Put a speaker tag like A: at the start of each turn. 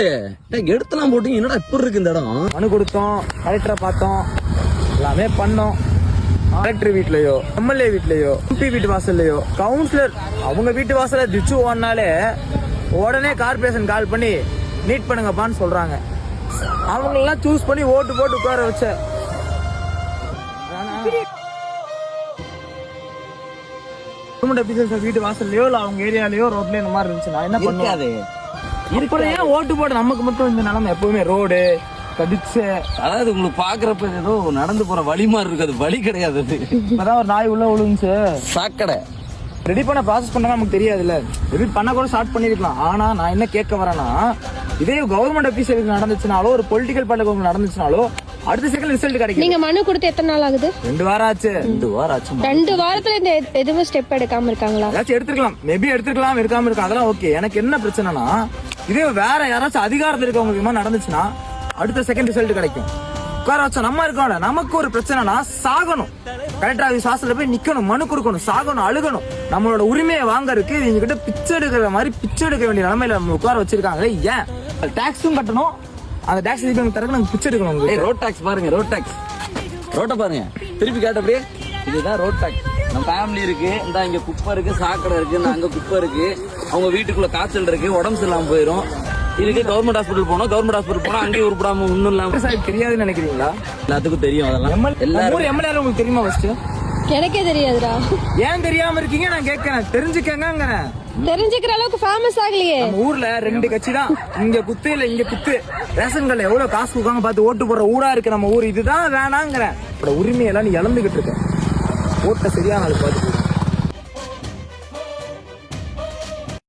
A: எடுத்துலாம் போட்டு என்னடா இப்படி இருக்கு இந்த இடம்?
B: மனு கொடுத்தோம், கலெக்டரை பார்த்தோம், எல்லாமே பண்ணோம். கலெக்டர் வீட்லயோ, எம்எல்ஏ வீட்லயோ, எம்பி வீட்டு வாசல்லையோ, கவுன்சிலர் அவங்க வீட்டு வாசல திச்சு ஓடினாலே உடனே கார்பரேஷன் கால் பண்ணி மீட் பண்ணுங்கப்பான்னு சொல்றாங்க. அவங்களெல்லாம் சூஸ் பண்ணி ஓட்டு போட்டு உட்கார வச்ச கவர்மெண்ட் ஆபீசர்ஸ் வீட்டு வாசல்லையோ இல்ல அவங்க ஏரியாலயோ ரோட்லயோ இந்த மாதிரி இருந்துச்சுன்னா என்ன பண்ணுவாங்க? ஏன் ஓட்டு போட நமக்கு மட்டும் இந்த நிலைமை எப்பவுமே ரோடு கடிச்சு,
A: அதாவது உங்களுக்கு பாக்குறப்ப ஏதோ நடந்து போற வழி மாதிரி இருக்கு, அது வழி கிடையாது.
B: இப்பதான் ஒரு நாய் உள்ள விழுந்துச்சு.
A: சாக்கடை
B: ரெடி பண்ண ப்ராசஸ் பண்ணா நமக்கு தெரியாதுல்ல, ரெடி பண்ண கூட ஸ்டார்ட் பண்ணிருக்கலாம். ஆனா நான் என்ன கேட்க வரேன்னா, இதே கவர்மெண்ட் ஆபீசருக்கு நடந்துச்சுனாலோ ஒரு பொலிட்டிக்கல் பார்ட்டிக்கு நடந்துச்சுனாலோ அடுத்த செகண்ட் ரிசல்ட் கிடைக்கும்.
C: நீங்க மனு கொடுத்து எத்தனை நாள் ஆகுது?
B: 2 வாரம் ஆச்சு.
A: 2 வாரம் ஆச்சு.
C: 2 வாரத்துல இந்த எதுவும் ஸ்டெப் எடுக்காம இருக்காங்களா?
B: ஏதாச்சும் எடுத்துக்கலாம், மேபி எடுத்துக்கலாம், இருக்காம இருக்கா, அதெல்லாம் ஓகே. எனக்கு என்ன பிரச்சனைனா, இதே வேற யாராச்சும் அதிகாரத்தில் இருக்கவங்களுக்கு நடந்துச்சுன்னா அடுத்த செகண்ட் ரிசல்ட் கிடைக்கும். உட்கார வச்சா நம்ம இருக்கோம்ல, நமக்கு ஒரு பிரச்சனைனா சாகணும், கலெக்டர் ஆபீஸ் வாசல்ல போய் நிக்கணும், மனு கொடுக்கணும், சாகணும், அழுகணும். நம்மளோட உரிமையை வாங்கறதுக்கு இவங்க கிட்ட பிச்சை எடுக்கிற மாதிரி பிச்சை எடுக்க வேண்டிய நிலைமையில நம்ம உட்கார வச்சிருக்காங்க. ஏன் டாக்ஸும் கட்டணும், அந்த டாக்ஸ் தரக்கு நாங்க பிச்சை எடுக்கணும்.
A: ரோட் டாக்ஸ் பாருங்க, ரோட் டாக்ஸ், ரோட்டை பாருங்க, திருப்பி கேட்டபடியே இதுதான் ரோட் டாக்ஸ். நம்ம ஃபேமிலி இருக்கு, இந்த இங்க குப்பை இருக்கு, சாக்கடை இருக்கு, இந்த அங்க குப்பை இருக்கு, அவங்க வீட்டுக்குள்ள காய்ச்சல் இருக்கு, உடம்பு சரியில்லாம போயிடும். இதுக்கு கவர்மெண்ட் ஹாஸ்பிட்டல் போனோம், கவர்மெண்ட் ஹாஸ்பிட்டல் போனா அங்கேயும் உருப்படாம ஒண்ணும் இல்லாம.
B: தெரியாதுன்னு நினைக்கிறீங்களா?
A: எல்லாத்துக்கும் தெரியும். அதெல்லாம்
B: எல்லாரும் எம்எல்ஏ உங்களுக்கு தெரியுமா? ஃபர்ஸ்ட்
C: எனக்கே தெரியாதுடா.
B: ஏன் தெரியாம இருக்கீங்க? நான் கேட்கறேன், தெரிஞ்சுக்கங்க.
C: தெரிஞ்சுக்கிற அளவுக்கு ஃபேமஸ் ஆகலையே.
B: நம்ம ஊர்ல 2 கட்சி தான், இங்க குத்து இல்ல இங்க குத்து. ரேஷன் கடையில எவ்வளவு காசு கொடுக்காங்க பார்த்து ஓட்டு போடுற ஊரா இருக்கு நம்ம ஊர். இதுதான் வேணாங்கிற உரிமையெல்லாம் நீ இழந்துகிட்டு இருக்க. ஓட்ட சரியான ஆளு பார்த்து